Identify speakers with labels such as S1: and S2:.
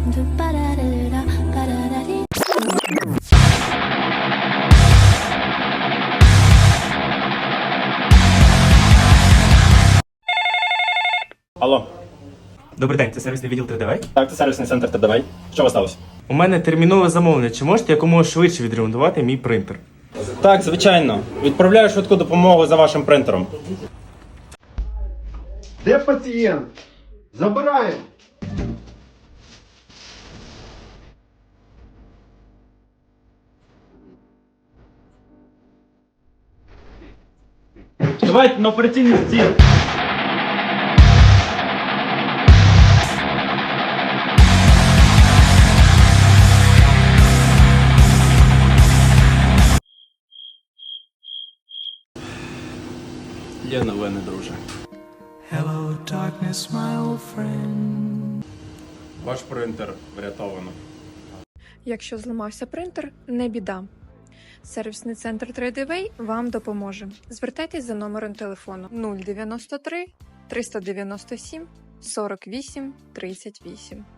S1: Алло.
S2: Добрий день, це сервісний відділ 3D.
S1: Так, це сервісний центр ТДВ. Що у вас сталося?
S2: У мене термінове замовлення. Чи можете якомога швидше відремонтувати мій принтер?
S1: Так, звичайно. Відправляю швидку допомогу за вашим принтером.
S3: Де пацієнт? Забираємо.
S1: Давайте на операційний стіл. Є новини, друже.
S4: Hello, darkness, my old friend.
S1: Ваш принтер врятовано.
S5: Якщо зламався принтер, не біда. Сервісний центр 3D вам допоможе. Звертайтесь за номером телефону 093 397 48 38.